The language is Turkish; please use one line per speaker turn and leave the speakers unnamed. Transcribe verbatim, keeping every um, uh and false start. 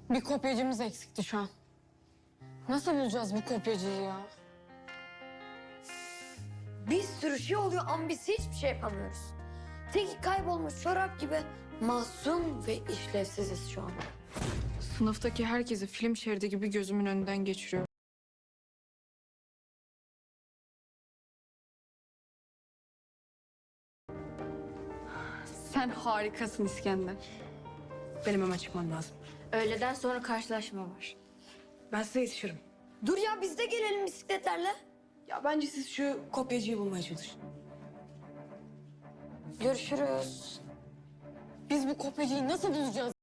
Bir kopyacımız eksikti şu an. Nasıl bulacağız bu kopyacıyı ya?
Bir sürü şey oluyor ama biz hiçbir şey yapamıyoruz. Tek kaybolmuş çorap gibi masum ve işlevsiziz şu an.
Sınıftaki herkesi film şeridi gibi gözümün önünden geçiriyor. Sen harikasın İskender. Benim hemen çıkmam lazım.
Öğleden sonra karşılaşma var.
Ben size yetişirim.
Dur ya biz de gelelim bisikletlerle.
Ya bence siz şu kopyacıyı bulmaya çalışın.
Görüşürüz.
Biz bu kopyacıyı nasıl bulacağız?